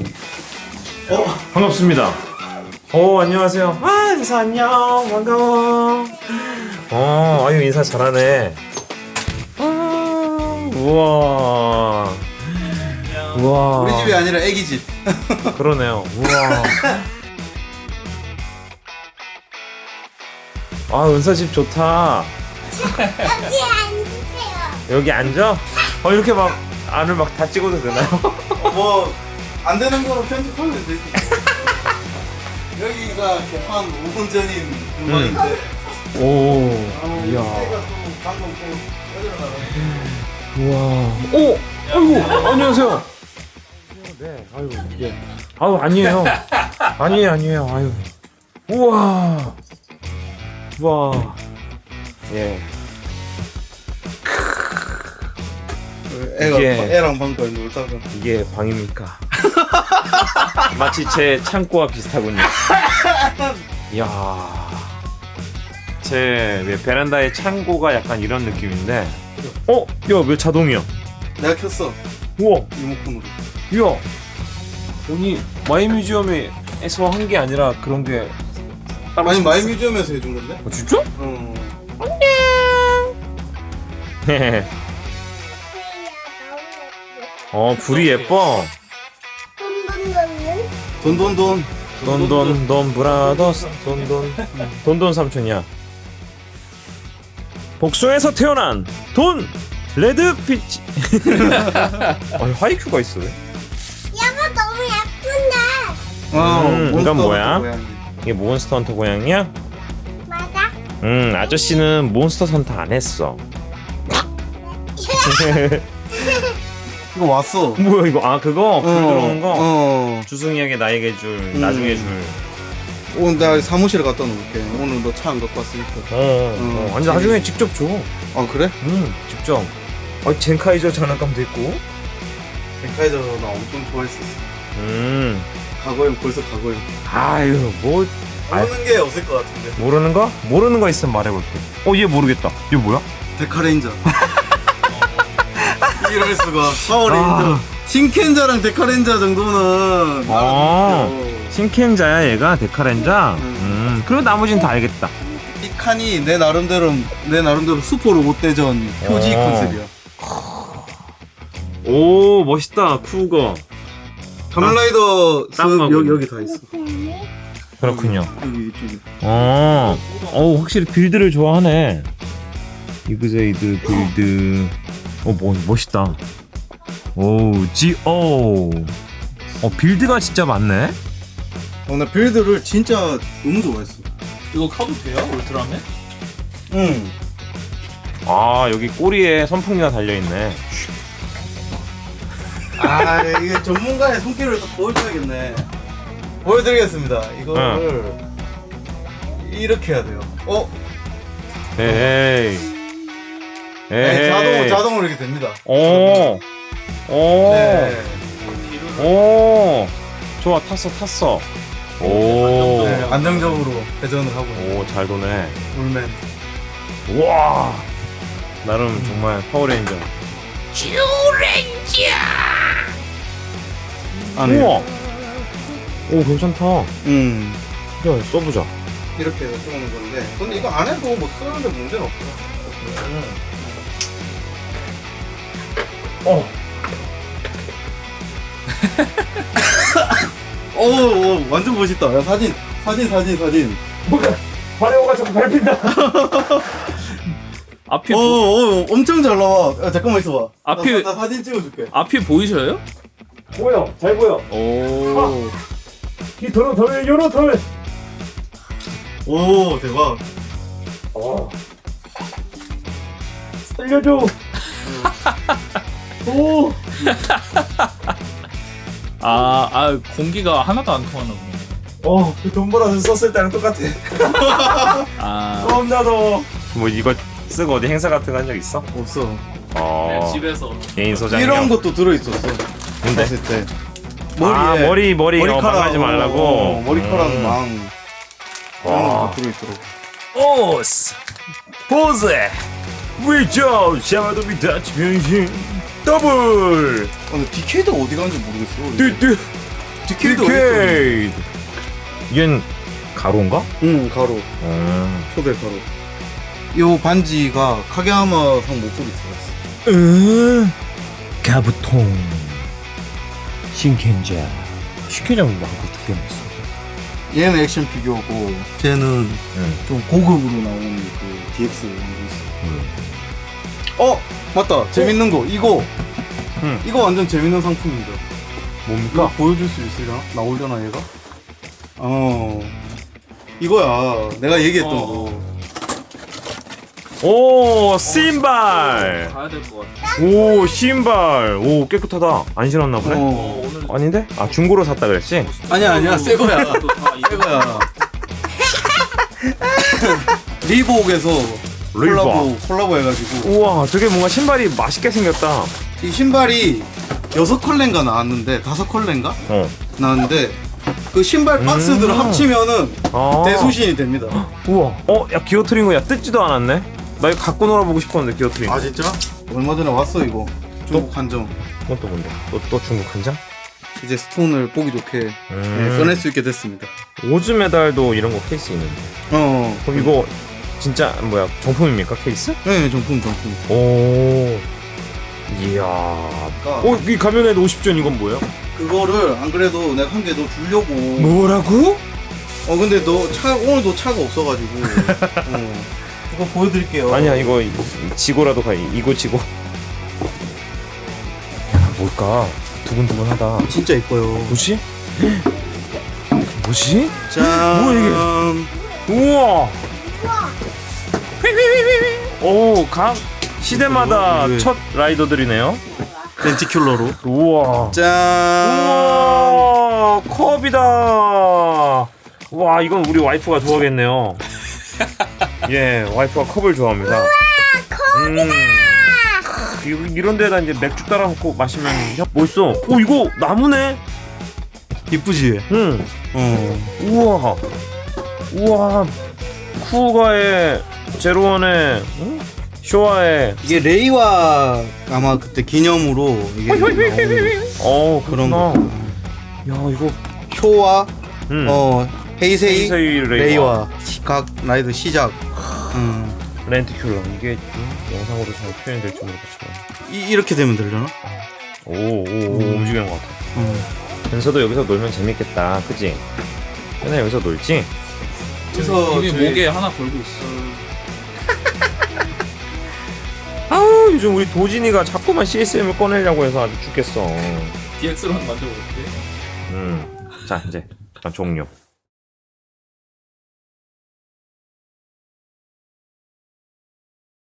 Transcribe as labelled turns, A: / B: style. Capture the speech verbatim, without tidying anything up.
A: 어? 반갑습니다. 오, 안녕하세요. 아, 인사 안녕. 반가워. 어, 아유, 인사 잘하네. 아, 우와. 우와.
B: 우리 집이 아니라 애기 집.
A: 그러네요. 우와. 아, 은서 집 좋다.
C: 여기 앉으세요.
A: 여기 앉아? 어, 이렇게 막 안을 막 다 찍어도 되나요?
B: 뭐 안 되는 거로 편집하면 되지. 여기가 개판 오 분 전인 공간인데.
A: 오. 이야.
B: 새가 또 방금 또
A: 우와. 오! 아이고, 안녕하세요. 네, 아유, 예. 아유, 아니에요. 아니에요, 아니에요. 아유. 우와. 우와. 예.
B: 애가
A: 이게-
B: 애랑 방금 놀다가.
A: 이게 방입니까? 마치 제 창고와 비슷하군요. 이야. 제 베란다의 창고가 약간 이런 느낌인데. 어? 야, 왜 자동이야?
B: 내가 켰어
A: 우와.
B: 리모컨으로.
A: 이야. 아니, 마이뮤지엄에서 한 게 아니라 그런 게 따로
B: 아니
A: 있었어?
B: 마이뮤지엄에서 해준 건데?
A: 어, 진짜?
B: 어.
A: 어, 불이 예뻐.
C: 돈돈돈은
B: 돈돈돈.
A: 돈돈 돈 브라더스 돈돈 돈돈 삼촌이야. 복숭에서 태어난 돈 레드 피치. 아, 하이큐가 있어. 왜?
C: 여보 너무 예쁜데.
B: 어.
A: 음,
B: 몬스터
A: 이건 뭐야?
B: 고양이.
A: 이게 몬스터 헌터 고양이야?
C: 맞아.
A: 음, 아저씨는 몬스터 헌터 안 했어.
B: 이거 왔어.
A: 뭐야 이거? 아, 그거 불 들어오는 거.
B: 어.
A: 주승이에게 나에게 줄,
B: 음.
A: 나중에 줄.
B: 오늘 나 사무실에 갖다 놓을게. 오늘 너 차 안 갖고 왔으니까.
A: 어, 어,
B: 음.
A: 아니 나중에 직접 줘.
B: 아 그래?
A: 음, 직접. 아, 젠카이저 장난감도 있고.
B: 백화에서 나 엄청 좋아했었어.
A: 음,
B: 과거엔 벌써 과거엔.
A: 아유, 뭐
B: 모르는 게 없을 것 같은데.
A: 모르는 거? 모르는 거 있으면 말해볼게. 어, 얘 모르겠다. 얘 뭐야?
B: 데카레인저. 이럴 수가. 파워레인저.
A: 아.
B: 신켄자랑 데카레인저 정도는.
A: 아.
B: 알아듣죠.
A: 신켄자야 얘가 데카렌자.
B: 음.
A: 음, 그리고 나머지는 다 알겠다.
B: 이 칸이 내 나름대로 내 나름대로 슈퍼 로봇 대전 표지
A: 어.
B: 컨셉이야.
A: 오, 멋있다. 쿠거.
B: 가면라이더
A: 딱
B: 습
A: 맞고.
B: 여기 여기 다 있어.
A: 그렇군요.
B: 여기 이쪽에.
A: 어, 어, 확실히 빌드를 좋아하네. 이그제이드 빌드. 어, 뭐 멋있다. 오, 지오. 어, 빌드가 진짜 많네.
B: 어, 나 빌드를 진짜 너무 좋아했어.
D: 이거 카도 돼요? 울트라맨?
B: 응.
A: 아, 여기 꼬리에 선풍기가 달려 있네.
B: 아 이게 전문가의 손길을 또 보여줘야겠네. 보여드리겠습니다. 이거를 이렇게 해야 돼요. 어?
A: 에이. 에이.
B: 네, 자동 자동으로 이렇게 됩니다.
A: 오. 오.
B: 네.
A: 오. 좋아, 탔어, 탔어. 오.
B: 네, 안정적으로 회전을 하고
A: 오, 잘 도네.
B: 롤맨.
A: 우와. 나름 정말 파워레인저.
B: 안에.
A: 우와. 오, 괜찮다.
B: 음.
A: 야, 써보자.
B: 이렇게 해서 쓰는 건데. 근데 이거 안 해도 뭐 쓰는데 문제는 없어.
A: 어.
B: 오, 오, 완전 멋있다. 야, 사진, 사진, 사진, 사진.
A: 뭐야? 바레오가 자꾸 밟힌다.
D: 앞이
B: 오,
D: 보,
B: 오, 엄청 잘 나와. 야, 잠깐만 있어봐.
D: 앞이-
B: 나, 나 사진 찍어줄게.
D: 앞이 보이셔요?
A: 보여, 잘 보여.
D: 오.
A: 이 도로 덜, 요로 덜.
B: 오, 대박.
A: 어. 살려줘. 오.
D: 아, 아 공기가 하나도 안 통하나 보네.
A: 어, 돈 벌어서 썼을 때랑 똑같아.
D: 아,
A: 겁나 더워. 뭐 이거 쓰고 어디 행사 같은 거 한 적 있어?
B: 없어.
A: 어.
D: 네, 집에서
A: 개인 소장용.
B: 이런 것도 들어있었어.
A: 근데
B: 봤을 때.
A: 아, 머리 머리 어,
B: 머리카락
A: 망하지 말라고.
B: 어, 머리카락
A: 음.
B: 망. 그런
A: 와.
B: 것도 들어있더라고.
A: 오스 포즈 위저 샤마도 미다치 변신 더블
B: 아, 근데 디케이드가 어디 가는지 모르겠어.
A: 뚜뚜
B: 디케이드 어딨어?
A: 디케이드. 얘는 가로인가?
B: 응 가로
A: 음.
B: 초대 가로. 요 반지가 카게야마 상 목소리 들었어.
A: 음. 가부통. 신켄자. 신켄자는 뭐 한거 두 개만 있어.
B: 얘는 액션 피규어고 쟤는
A: 응.
B: 좀 고급으로 나오는 그 디엑스 이런 거 있어.
A: 응.
B: 어 맞다 재밌는 거 이거
A: 응.
B: 이거 완전 재밌는 상품입니다. 이거
A: 뭡니까?
B: 보여줄 수 있으려나? 나오려나 얘가? 어 이거야 내가 얘기했던
D: 어.
B: 거.
A: 오, 신발.
D: 가야 될 것 같아.
A: 오, 신발. 오, 깨끗하다. 안 신었나 보네.
B: 어.
D: 어, 오늘
A: 아닌데? 아, 중고로 샀다 그랬지?
B: 아니야 아니야 새 거야.
D: 또 다
B: 새 거야. 리복에서
A: 리복.
B: 콜라보 콜라보 해가지고
A: 우와, 되게 뭔가 신발이 맛있게 생겼다.
B: 이 신발이 여섯 컬레인가 나왔는데 다섯 컬레인가
A: 어.
B: 나왔는데 그 신발 박스들을
A: 음.
B: 합치면은
A: 아.
B: 대소신이 됩니다.
A: 우와. 어, 야, 기어트린 거야. 뜯지도 않았네. 나 이거 갖고 놀아보고 싶었는데, 기어트린 거.
B: 아 진짜? 얼마 전에 왔어 이거 중국 한정.
A: 그건 또 뭔데? 또, 또 중국 한장?
B: 이제 스톤을 보기 좋게
A: 음.
B: 예, 꺼낼 수 있게 됐습니다.
A: 오즈 메달도 이런 거 케이스 있는데.
B: 어.
A: 그럼 이거 진짜 뭐야? 정품입니까? 케이스?
B: 네 정품 정품.
A: 오. 이야. 어, 이 가면에도 오십 전 이건 뭐예요?
B: 그거를 안 그래도 내가 한 개 더 주려고.
A: 뭐라고?
B: 어 근데 너 차 오늘도 차가 없어가지고. 어. 이거 보여드릴게요.
A: 아니야, 이거 지고라도 가. 이거 지고. 야, 뭘까? 두근두근하다.
B: 진짜 이뻐요.
A: 뭐지? 뭐지?
B: 짠.
A: 뭐야, 우와. 오, 각 시대마다
B: 이거 왜-
A: 첫 라이더들이네요.
B: 렌티큘러로.
A: 우와.
B: 짠.
A: 우와, 컵이다. 와, 이건 우리 와이프가 좋아하겠네요. 예, 와이프가 컵을 좋아합니다. 우와, 컵이다. 음, 이런 데다 이제 맥주 따라 놓고 마시면 멋있어. 오, 이거 나무네.
B: 이쁘지?
A: 응.
B: 어.
A: 우와. 우와. 쿠가의 제로원의 응? 쇼와의
B: 이게 레이와 아마 그때 기념으로 이게 나온
A: 어,
B: 그런
A: 그렇구나.
B: 거.
A: 야, 이거
B: 효와
A: 음.
B: 어 헤이세이,
A: 헤이세이 레이와.
B: 레이와 각 라이드 시작. 음.
A: 렌티큘러 이게 음, 영상으로 잘 표현될지 모르겠지만
B: 이, 이렇게 되면 되려나?
A: 오오오
B: 음.
A: 움직이는 것 같아.
B: 음.
A: 현서도 여기서 놀면 재밌겠다, 그치? 현아 여기서 놀지?
B: 그래서
D: 이미
B: 저희-
D: 목에 하나 걸고 있어.
A: 아우, 요즘 우리 도진이가 자꾸만 씨에스엠을 꺼내려고 해서 아주 죽겠어.
D: 디엑스로 한번 만들어볼게.
A: 음, 자 이제 잠깐 종료.